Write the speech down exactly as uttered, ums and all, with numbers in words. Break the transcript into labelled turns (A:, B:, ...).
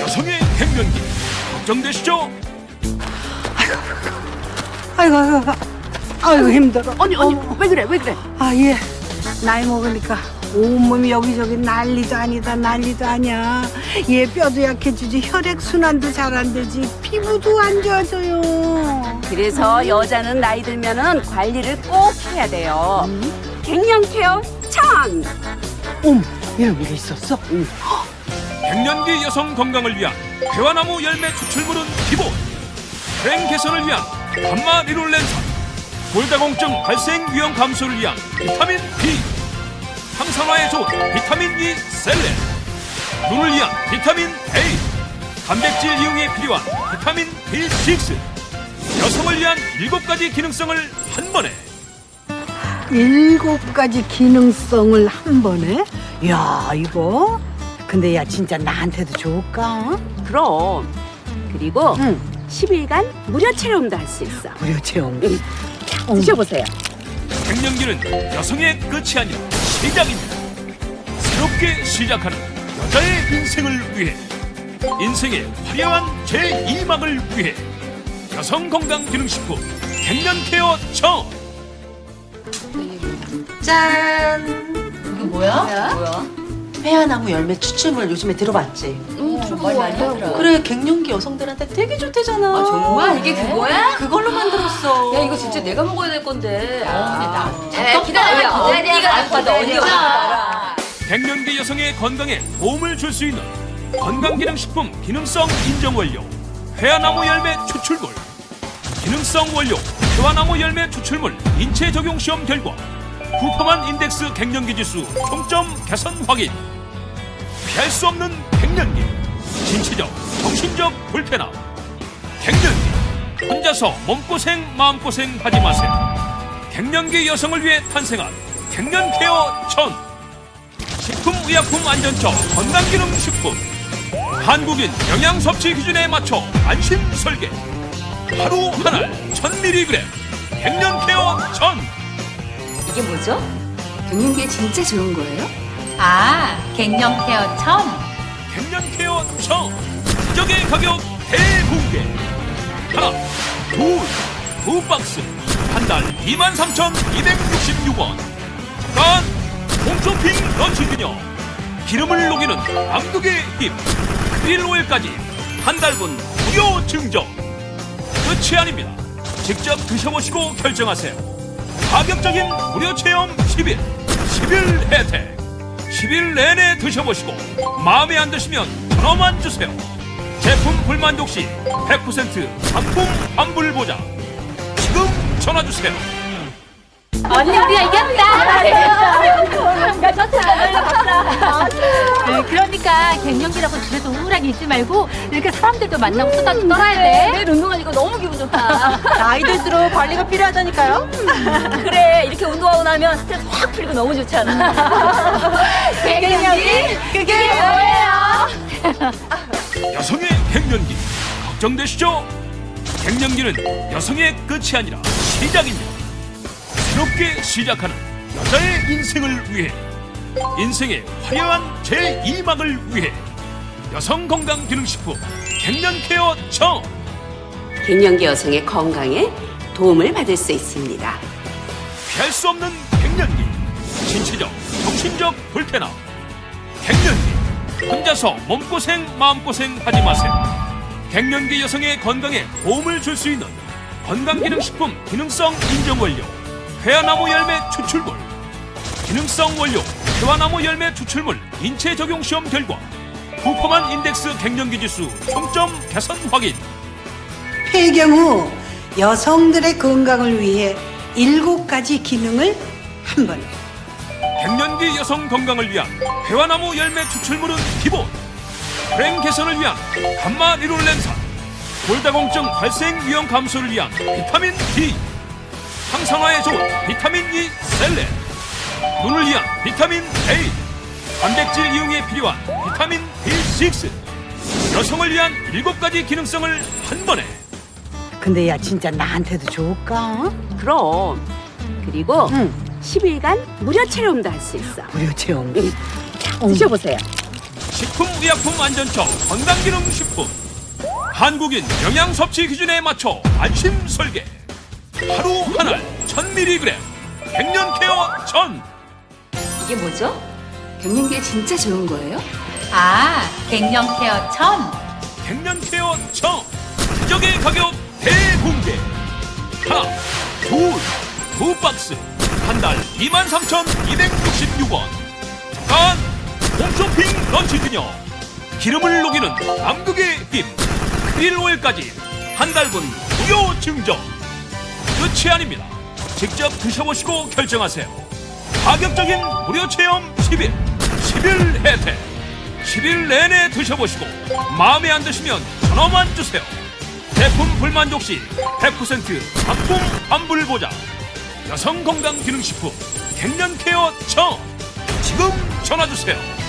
A: 여성의 갱년기 걱정되시죠?
B: 아이고, 아이고, 아이고 힘들어.
C: 언니 언니
B: 어.
C: 왜 그래 왜 그래?
B: 아, 예. 나이 먹으니까 온몸이 여기저기 난리도 아니다, 난리도 아니야. 얘 뼈도 약해지지, 혈액순환도 잘 안 되지, 피부도 안 좋아져요.
C: 그래서 여자는 나이 들면은 관리를 꼭 해야 돼요. 갱년 케어 천.
B: 어머, 이런 게 있었어? 응.
A: 갱년기 여성 건강을 위한 대화나무 열매 추출물은 기본, 불행 개선을 위한 감마 리롤렌산, 골다공증 발생 위험 감소를 위한 비타민 B, 항산화에 좋은 비타민 E 셀렌, 눈을 위한 비타민 A, 단백질 이용에 필요한 비타민 비 식스, 여성을 위한 일곱 가지 기능성을 한 번에.
B: 일곱 가지 기능성을 한 번에? 야, 이거? 근데 야, 진짜 나한테도 좋을까?
C: 그럼 그리고
B: 응.
C: 십 일간 무료 체험도 할 수 있어.
B: 무료 체험.
C: 응.
B: 어.
C: 드셔보세요.
A: 갱년기는 여성의 끝이 아니라 시작입니다. 새롭게 시작하는 여자의 인생을 위해, 인생의 화려한 제이 막을 위해 여성건강기능식품 갱년케어 천.
D: 짠! 이게 뭐야? 뭐야? 회화나무 열매 추출물 요즘에 들어봤지?
E: 응, 말 많이 하더라.
D: 그래, 갱년기 여성들한테 되게 좋대잖아.
E: 아, 정말? 이게 그거야?
D: 그걸로 만들었어.
E: 야, 이거 진짜 내가 먹어야 될 건데. 아, 근데 나.
D: 잠깐
E: 기다려.
D: 기다려.
E: 언니가 나빠도 언니가 나빠라.
A: 갱년기 여성의 건강에 도움을 줄 수 있는 건강기능식품 기능성 인정 완료 회화나무 열매 추출물, 기능성 원료 회화나무 열매 추출물 인체 적용 시험 결과 후퍼만 인덱스 갱년기 지수 총점 개선 확인. 피할 수 없는 갱년기, 신체적, 정신적 불편함. 갱년기, 혼자서 몸고생 마음고생 하지 마세요. 갱년기 여성을 위해 탄생한 갱년케어 천. 식품의약품안전처 건강기능식품, 한국인 영양섭취 기준에 맞춰 안심 설계. 하루 한알 천 밀리그램 갱년케어 천.
E: 이게 뭐죠? 갱년기에 진짜 좋은 거예요?
F: 아, 갱년 케어 첨.
A: 갱년케어 천. 기적의 가격 대공개. 하나, 둘, 두 박스. 한 달 이만 삼천이백육십육 원. 간 홈쇼핑 런치 기념. 기름을 녹이는 암흑의 힘 크릴 오일까지 한 달분 무료 증정. 끝이 아닙니다. 직접 드셔보시고 결정하세요. 가격적인 무료 체험 십 일, 십 일 혜택. 십 일 내내 드셔보시고 마음에 안 드시면 전화만 주세요. 제품 불만족 시 백 퍼센트 상품 환불 보장. 지금 전화 주세요.
F: 언니 우리가 이겼다. 네, 그러니까 갱년기라고 집에서 우울하게 있지 말고 이렇게 사람들도 만나고 수다 좀 떨어야 돼.
E: 내일 운동하니까 너무 기분 좋다.
D: 나이 들수록 관리가 필요하다니까요?
E: 그래, 이렇게 운동하고 나면 스트레스 확 풀리고 너무 좋잖아. 갱년기? 그게 뭐예요?
A: 여성의 갱년기 걱정되시죠? 갱년기는 여성의 끝이 아니라 시작입니다. 새롭게 시작하는 여자의 인생을 위해, 인생의 화려한 제이 막을 위해 여성건강기능식품 갱년케어 천.
C: 갱년기 여성의 건강에 도움을 받을 수 있습니다.
A: 피할 수 없는 갱년기, 신체적, 정신적 불편함. 갱년기, 혼자서 몸고생 마음고생 하지 마세요. 갱년기 여성의 건강에 도움을 줄 수 있는 건강기능식품 기능성 인정 완료 회화나무 열매 추출물, 기능성 원료 회화나무 열매 추출물 인체 적용 시험 결과 후퍼만 인덱스 갱년기 지수 총점 개선 확인.
B: 폐경 후 여성들의 건강을 위해 일곱 가지 기능을 한 번에.
A: 갱년기 여성 건강을 위한 회화나무 열매 추출물은 기본, 불행 개선을 위한 감마 리롤렌산, 골다공증 발생 위험 감소를 위한 비타민 D, 항산화에 좋은 비타민 E 셀렌, 눈을 위한 비타민 A, 단백질 이용에 필요한 비타민 비 식스, 여성을 위한 일곱 가지 기능성을 한 번에.
B: 근데 야, 진짜 나한테도 좋을까?
C: 그럼 그리고
B: 응.
C: 십 일간 무료 체험도 할 수 있어.
B: 무료 체험.
C: 응. 드셔보세요.
A: 식품의약품안전처 건강기능식품. 한국인 영양섭취 기준에 맞춰 안심 설계. 하루 한알 천 밀리그램 갱년케어 전.
C: 이게 뭐죠? 갱년기에 진짜 좋은 거예요?
F: 아, 갱년케어 천.
A: 갱년케어 전. 기적의 가격 대공개. 하나, 둘, 두 박스. 한 달 이만 삼천이백육십육 원. 단 홈쇼핑 런치 기념. 기름을 녹이는 남극의 힘. 크릴 오일까지 한 달분 무료 증정. 끝이 아닙니다. 직접 드셔보시고 결정하세요. 가격적인 무료 체험 십 일. 십 일 혜택. 십 일 내내 드셔보시고 마음에 안 드시면 전화만 주세요. 제품 불만족 시 백 퍼센트 상품 환불 보장. 여성건강기능식품 갱년케어 청. 지금 전화주세요.